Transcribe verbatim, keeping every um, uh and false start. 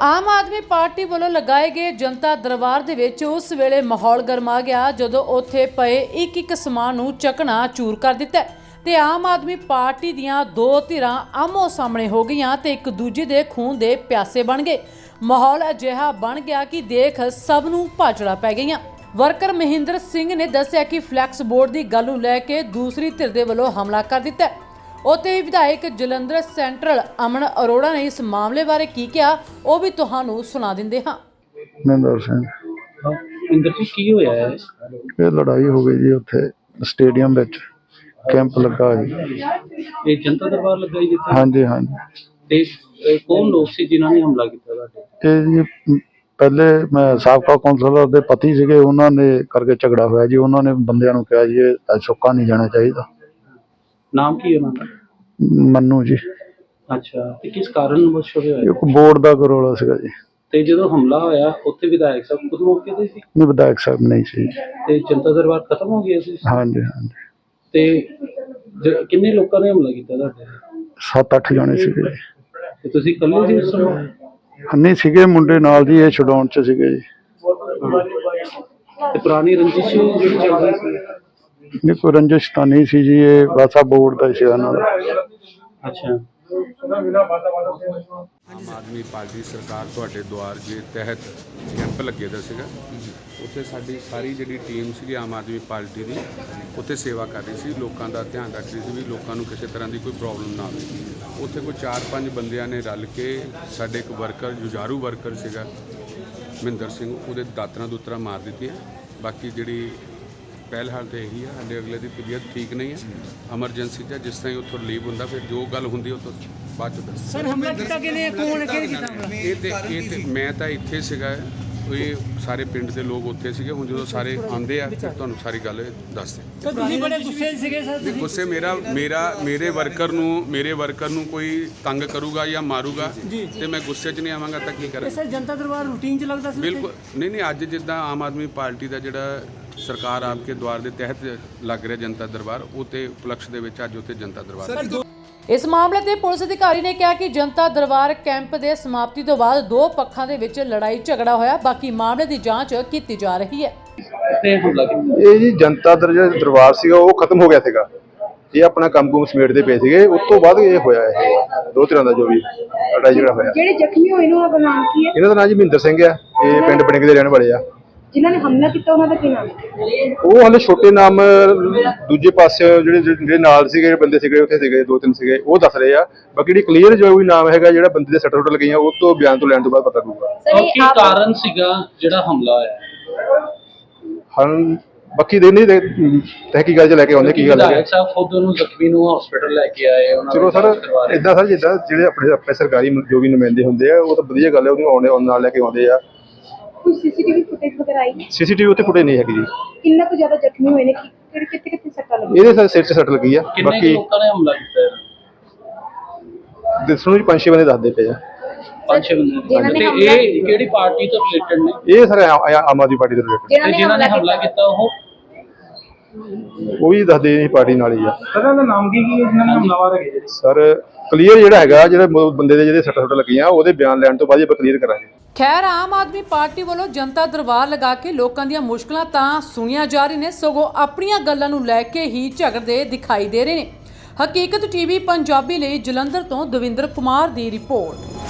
ਆਮ Aadmi party ਵੱਲੋਂ ਲਗਾਏ ਗਏ ਜਨਤਾ ਦਰਬਾਰ ਦੇ ਵਿੱਚ ਉਸ ਵੇਲੇ ਮਾਹੌਲ ਗਰਮਾ ਗਿਆ ਜਦੋਂ ਉੱਥੇ ਪਏ ਇੱਕ ਇੱਕ ਸਮਾਨ ਨੂੰ ਚੱਕਣਾ ਚੂਰ ਕਰ ਦਿੱਤਾ ਤੇ ਆਮ ਆਦਮੀ ਪਾਰਟੀ ਦੀਆਂ ਦੋ ਧਿਰਾਂ ਆਮੋ ਸਾਹਮਣੇ ਹੋ ਗਈਆਂ ਤੇ ਇੱਕ ਦੂਜੇ ਦੇ ਖੂਨ ਦੇ ਪਿਆਸੇ ਬਣ ਗਏ। ਮਾਹੌਲ ਅਜਿਹਾ ਬਣ ਗਿਆ ਕਿ ਦੇਖ ਸਭ ਨੂੰ ਭਾਜੜਾ ਪੈ ਗਈਆਂ। ਵਰਕਰ ਮਹਿੰਦਰ ਸਿੰਘ ਨੇ ਦੱਸਿਆ ਕਿ ਫਲੈਕਸ ਬੋਰਡ ਦੀ ਗੱਲ ਨੂੰ ਲੈ ਕੇ ਦੂਸਰੀ ਧਿਰ ਦੇ ਵੱਲੋਂ ਹਮਲਾ ਕਰ ਦਿੱਤਾ। ਉੱਥੇ ਵਿਧਾਇਕ ਜਲੰਧਰ ਸੈਂਟਰਲ ਅਮਨ ਅਰੋੜਾ ਨੇ ਇਸ ਮਾਮਲੇ ਬਾਰੇ ਕੀ ਕਿਹਾ ਉਹ ਵੀ ਤੁਹਾਨੂੰ ਸੁਣਾ ਦਿੰਦੇ ਹਾਂ। ਮਹਿੰਦਰ ਸਿੰਘ ਮਹਿੰਦਰ ਜੀ ਕੀ ਹੋਇਆ ਹੈ? ਇਹ ਲੜਾਈ ਹੋ ਗਈ ਜੀ ਉੱਥੇ ਸਟੇਡੀਅਮ ਵਿੱਚ ਕੈਂਪ ਲੱਗਾ ਜੀ। ਇਹ ਜਨਤਾ ਦਰਬਾਰ ਲੱਗਾ ਜੀ ਜਿੱਥੇ? ਹਾਂਜੀ ਹਾਂਜੀ। ਤੇ ਇਹ ਕੌਣ ਲੋਕ ਸੀ ਜਿਨ੍ਹਾਂ ਨੇ ਹਮਲਾ ਕੀਤਾ ਤੁਹਾਡੇ? ਇਹ ਜੀ ਪਹਿਲੇ ਮੈਂ ਸਾਬਕਾ ਕੌਂਸਲਰ ਦੇ ਪਤੀ ਸੀਗੇ, ਉਹਨਾਂ ਨੇ ਕਰਕੇ ਝਗੜਾ ਹੋਇਆ ਜੀ। ਉਹਨਾਂ ਨੇ ਬੰਦਿਆਂ ਨੂੰ ਕਿਹਾ ਜੀ ਇਹ ਸੁੱਕਾ ਨਹੀਂ ਜਾਣਾ ਚਾਹੀਦਾ। ਨਾਮ ਕੀ ਉਹਨਾਂ ਦਾ? ਮੰਨੂ ਜੀ। ਅੱਛਾ, ਤੇ ਕਿਸ ਕਾਰਨ ਵਸ਼ ਹੋਇਆ? ਇੱਕ ਬੋਰਡ ਦਾ ਰੌਲਾ ਸੀਗਾ ਜੀ। ਤੇ ਜਦੋਂ ਹਮਲਾ ਹੋਇਆ ਉੱਥੇ ਵਿਧਾਇਕ ਸਾਹਿਬ ਖੁਦ ਮੌਕੇ ਤੇ ਸੀ? ਨਹੀਂ, ਵਿਧਾਇਕ ਸਾਹਿਬ ਨਹੀਂ ਸੀ। ਤੇ ਜਨਤਾ ਦਰਬਾਰ ਖਤਮ ਹੋ ਗਿਆ ਸੀ? ਹਾਂਜੀ ਹਾਂਜੀ। ਤੇ ਜ- ਕਿੰਨੇ ਲੋਕਾਂ ਨੇ ਹਮਲਾ ਕੀਤਾ ਤੁਹਾਡੇ? ਸੱਤ ਅੱਠ ਜਣੇ ਸੀਗੇ ਜੀ। ਤੇ ਤੁਸੀਂ ਇਕੱਲੇ ਸੀ ਉਸ ਸਮੇਂ? ਨਹੀਂ ਸੀਗੇ, ਮੁੰਡੇ ਨਾਲ ਜੀ, ਇਹ ਛਡਾਉਣ ਚ ਸੀਗੇ ਜੀ। ਤੇ ਪੁਰਾਣੀ ਰੰਜਿਸ਼ ਜਿਹੜੀ ਚੱਲ ਰਹੀ ਸੀ? ਨਹੀਂ, ਕੋਈ ਰੰਜਿਸ਼ ਤਾਂ ਨਹੀਂ ਸੀ ਜੀ, ਇਹ ਬਸ ਆ ਬੋਰਡ ਦਾ ਹੀ ਸੀਗਾ ਨਾਲ। ਅੱਛਾ। ਆਮ ਆਦਮੀ ਪਾਰਟੀ ਸਰਕਾਰ ਤੁਹਾਡੇ ਦੁਆਰ ਦੇ ਤਹਿਤ ਕੈਂਪ ਲੱਗੇ ਦਾ ਸੀਗਾ। ਉੱਥੇ ਸਾਡੀ ਸਾਰੀ ਜਿਹੜੀ ਟੀਮ ਸੀਗੀ ਆਮ ਆਦਮੀ ਪਾਰਟੀ ਦੀ ਉੱਥੇ ਸੇਵਾ ਕਰ ਰਹੀ ਸੀ, ਲੋਕਾਂ ਦਾ ਧਿਆਨ ਰੱਖ ਰਹੀ ਸੀ ਵੀ ਲੋਕਾਂ ਨੂੰ ਕਿਸੇ ਤਰ੍ਹਾਂ ਦੀ ਕੋਈ ਪ੍ਰੋਬਲਮ ਨਾ ਆਵੇ। ਉੱਥੇ ਕੋਈ ਚਾਰ ਪੰਜ ਬੰਦਿਆਂ ਨੇ ਰਲ ਕੇ ਸਾਡੇ ਇੱਕ ਵਰਕਰ ਜੁਝਾਰੂ ਵਰਕਰ ਸੀਗਾ ਮਹਿੰਦਰ ਸਿੰਘ, ਉਹਦੇ ਦਾਤਰਾ ਦੂਤਰਾ ਮਾਰ ਦਿੱਤੀਆਂ। ਬਾਕੀ ਜਿਹੜੀ ਪਹਿਲ ਹਾਲ ਤਾਂ ਇਹੀ ਹੈ, ਸਾਡੇ ਅਗਲੇ ਦੀ ਤਬੀਅਤ ਠੀਕ ਨਹੀਂ ਹੈ, ਐਮਰਜੈਂਸੀ 'ਚ ਜਿਸ ਤਰ੍ਹਾਂ ਹੀ ਉੱਥੋਂ ਰਿਲੀਵ ਹੁੰਦਾ ਫਿਰ ਜੋ ਗੱਲ ਹੁੰਦੀ ਉਹ ਤੋਂ ਬਾਅਦ 'ਚ ਦੱਸ। ਸਰ ਹਮਲਾ ਕੀਤਾ ਕਿਨੇ ਕੌਣ ਕਿਹਨੇ ਕੀਤਾ ਹਮਲਾ? ਇਹ ਤੇ ਇਹ ਤੇ ਮੈਂ ਤਾਂ ਇੱਥੇ ਸੀਗਾ, ਇਹ ਸਾਰੇ ਪਿੰਡ ਦੇ ਲੋਕ ਉੱਥੇ ਸੀਗੇ। ਹੁਣ ਜਦੋਂ ਸਾਰੇ ਆਉਂਦੇ ਆ ਫਿਰ ਤੁਹਾਨੂੰ ਸਾਰੀ ਗੱਲ ਦੱਸਦੇ। ਸਰ ਤੁਸੀਂ ਬੜੇ ਗੁੱਸੇ ਸੀਗੇ ਸਰ ਤੁਸੀਂ? ਗੁੱਸੇ ਮੇਰਾ ਮੇਰਾ ਮੇਰੇ ਵਰਕਰ ਨੂੰ ਮੇਰੇ ਵਰਕਰ ਨੂੰ ਕੋਈ ਤੰਗ ਕਰੂਗਾ ਜਾਂ ਮਾਰੂਗਾ ਤੇ ਮੈਂ ਗੁੱਸੇ 'ਚ ਨਹੀਂ ਆਵਾਂਗਾ ਤਾਂ ਕੀ ਕਰਾਂ? ਸਰ ਜਨਤਾ ਦਰਬਾਰ ਰੂਟੀਨ 'ਚ ਲੱਗਦਾ ਸੀ? ਬਿਲਕੁਲ ਨਹੀਂ ਨਹੀਂ। ਅੱਜ ਜਿੱਦਾਂ ਆਮ ਆਦਮੀ ਪਾਰਟੀ ਦਾ ਜਿਹੜਾ ਸਰਕਾਰ ਆਪਕੇ ਦੁਆਰ ਦੇ ਤਹਿਤ ਲੱਗ ਰਿਹਾ ਜਨਤਾ ਦਰਬਾਰ, ਉਹ ਤੇ ਉਪਲਕਸ਼ ਦੇ ਵਿੱਚ ਅੱਜ ਉੱਥੇ ਜਨਤਾ ਦਰਬਾਰ। ਇਸ ਮਾਮਲੇ ਤੇ ਪੁਲਿਸ ਅਧਿਕਾਰੀ ਨੇ ਕਿਹਾ ਕਿ ਜਨਤਾ ਦਰਬਾਰ ਕੈਂਪ ਦੇ ਸਮਾਪਤੀ ਤੋਂ ਬਾਅਦ ਦੋ ਪੱਖਾਂ ਦੇ ਵਿੱਚ ਲੜਾਈ ਝਗੜਾ ਹੋਇਆ, ਬਾਕੀ ਮਾਮਲੇ ਦੀ ਜਾਂਚ ਕੀਤੀ ਜਾ ਰਹੀ ਹੈ। ਤੇ ਹਮਲਾ ਕੀਤਾ? ਇਹ ਜੀ ਜਨਤਾ ਦਰ ਜਿਹੜਾ ਦਰਬਾਰ ਸੀਗਾ ਉਹ ਖਤਮ ਹੋ ਗਿਆ ਸੀਗਾ। ਇਹ ਆਪਣਾ ਕੰਮ ਕੁਮ ਸਮੇਟਦੇ ਪਏ ਸੀਗੇ, ਉਸ ਤੋਂ ਬਾਅਦ ਇਹ ਹੋਇਆ ਇਹ ਦੋ ਤਰ੍ਹਾਂ ਦਾ ਜੋ ਵੀ ਲੜਾਈ ਝਗੜਾ ਹੋਇਆ। ਜਿਹੜੇ ਜ਼ਖਮੀ ਹੋਏ ਨੇ ਉਹਨਾਂ ਦਾ ਨਾਮ ਕੀ ਹੈ? ਇਹਨਾਂ ਦਾ ਨਾਮ ਜੀ ਮਹਿੰਦਰ ਸਿੰਘ ਆ, ਇਹ ਪਿੰਡ ਬੜਿੰਗ ਦੇ ਰਹਿਣ ਵਾਲੇ ਆ। ਜਿਨ੍ਹਾਂ ਨੇ ਹਮਲਾ ਕੀਤਾ ਉਹਨਾਂ ਦਾ ਕੀ ਨਾਮ ਹੈ? ਉਹ ਹਾਲੇ ਛੋਟੇ ਨਾਮ ਦੂਜੇ ਪਾਸੇ ਜਿਹੜੇ ਜਿਹੜੇ ਨਾਲ ਸੀਗੇ ਜਿਹੜੇ ਬੰਦੇ ਸੀਗੇ ਉੱਥੇ ਸੀਗੇ ਦੋ ਤਿੰਨ ਸੀਗੇ ਉਹ ਦੱਸ ਰਹੇ ਆ। ਬਾਕੀ ਜਿਹੜੀ ਕਲੀਅਰ ਜੋ ਵੀ ਨਾਮ ਹੈਗਾ ਜਿਹੜਾ ਬੰਦੇ ਦੇ ਸੱਟ ਸੁੱਟ ਲੱਗੀਆਂ ਉਹ ਤੋਂ ਬਿਆਨ ਤੋਂ ਲੈਣ ਤੋਂ ਬਾਅਦ ਪਤਾ ਲੱਗੂਗਾ। ਕੀ ਕਾਰਨ ਸੀਗਾ ਜਿਹੜਾ ਹਮਲਾ ਹੋਇਆ? ਹਾਂ ਬਾਕੀ ਦੇ ਨਹੀਂ ਤਹਿਕੀਕਾਤ ਚ ਲੈ ਕੇ ਆਉਂਦੇ ਕੀ ਗੱਲ ਹੈ। ਵਿਧਾਇਕ ਸਾਹਿਬ ਖੁਦ ਉਹਨੂੰ ਜ਼ਖਮੀ ਨੂੰ ਹਸਪੀਟਲ ਲੈ ਕੇ ਆਏ ਉਹਨਾਂ ਚਲੋ ਸਰ ਇਦਾਂ ਸਰ ਜਿੱਦਾਂ ਜਿਹੜੇ ਆਪਣੇ ਆਪਣੇ ਸਰਕਾਰੀ ਜੋ ਵੀ ਨੁਮਾਇੰਦੇ ਹੁੰਦੇ ਆ ਉਹ ਤਾਂ ਵਧੀਆ ਗੱਲ ਹੈ, ਉਹਨੂੰ ਆਉਣੇ ਨਾਲ ਲੈ ਕੇ ਆਉਂਦੇ ਆ। ਕੋਈ ਸੀਸੀਟੀਵੀ ਫੁਟੇਜ ਵਗੈਰਾ ਆਈ ਹੈ? ਸੀਸੀਟੀਵੀ ਉੱਥੇ ਫੁਟੇਜ ਨਹੀਂ ਹੈਗੀ ਜੀ। ਕਿੰਨਾ ਕੁ ਜ਼ਿਆਦਾ ਜ਼ਖਮੀ ਹੋਏ ਨੇ? ਕਿਹੜੇ ਕਿੱਥੇ ਕਿੱਥੇ ਸੱਟਾਂ ਲੱਗੀਆਂ? ਇਹਦੇ ਸਰ ਸਿਰ 'ਚ ਸੱਟ ਲੱਗੀ ਆ। ਕਿੰਨੇ ਕੁ ਲੋਕਾਂ ਨੇ ਹਮਲਾ ਕੀਤਾ? ਦੱਸਣ ਨੂੰ ਪੰਜ ਛੇ ਬੰਦੇ ਦੱਸਦੇ ਪਏ ਆ। ਪੰਜ ਛੇ ਬੰਦੇ। ਤੇ ਇਹ ਕਿਹੜੀ ਪਾਰਟੀ ਤੋਂ ਰਿਲੇਟਡ ਨੇ? ਇਹ ਸਰ ਆਮ ਆਦਮੀ ਪਾਰਟੀ ਦੇ ਰਿਲੇਟਡ। ਤੇ ਜਿਨ੍ਹਾਂ ਨੇ ਹਮਲਾ ਕੀਤਾ ਉਹ ਉਹ ਵੀ ਦੱਸਦੇ ਇਹ ਪਾਰਟੀ ਨਾਲ ਹੀ ਆ। ਸਰ ਦਾ ਨਾਮ ਕੀ ਕੀ ਜਿਨ੍ਹਾਂ ਨੇ ਹਮਲਾਵਰ ਹੈਗੇ? ਸਰ ਕਲੀਅਰ ਜਿਹੜਾ ਹੈਗਾ ਜਿਹੜੇ ਬੰਦੇ ਦੇ ਜਿਹੜੇ ਸੱਟਾਂ ਸੁੱਟਾਂ ਲੱਗੀਆਂ ਉਹਦੇ ਬਿਆਨ ਲੈਣ ਤੋਂ ਬਾਅਦ ਹੀ ਆਪਾਂ ਕਲੀਅਰ ਕਰਾਂਗੇ। ਖੈਰ ਆਮ ਆਦਮੀ ਪਾਰਟੀ ਵੱਲੋਂ ਜਨਤਾ ਦਰਬਾਰ ਲਗਾ ਕੇ ਲੋਕਾਂ ਦੀਆਂ ਮੁਸ਼ਕਲਾਂ ਤਾਂ ਸੁਣੀਆਂ ਜਾ ਰਹੀਆਂ ਨੇ, ਸਗੋਂ ਆਪਣੀਆਂ ਗੱਲਾਂ ਨੂੰ ਲੈ ਕੇ ਹੀ ਝਗੜਦੇ ਦਿਖਾਈ ਦੇ ਰਹੇ ਨੇ। ਹਕੀਕਤ ਟੀਵੀ ਪੰਜਾਬੀ ਲਈ ਜਲੰਧਰ ਤੋਂ ਦਵਿੰਦਰ ਕੁਮਾਰ ਦੀ ਰਿਪੋਰਟ।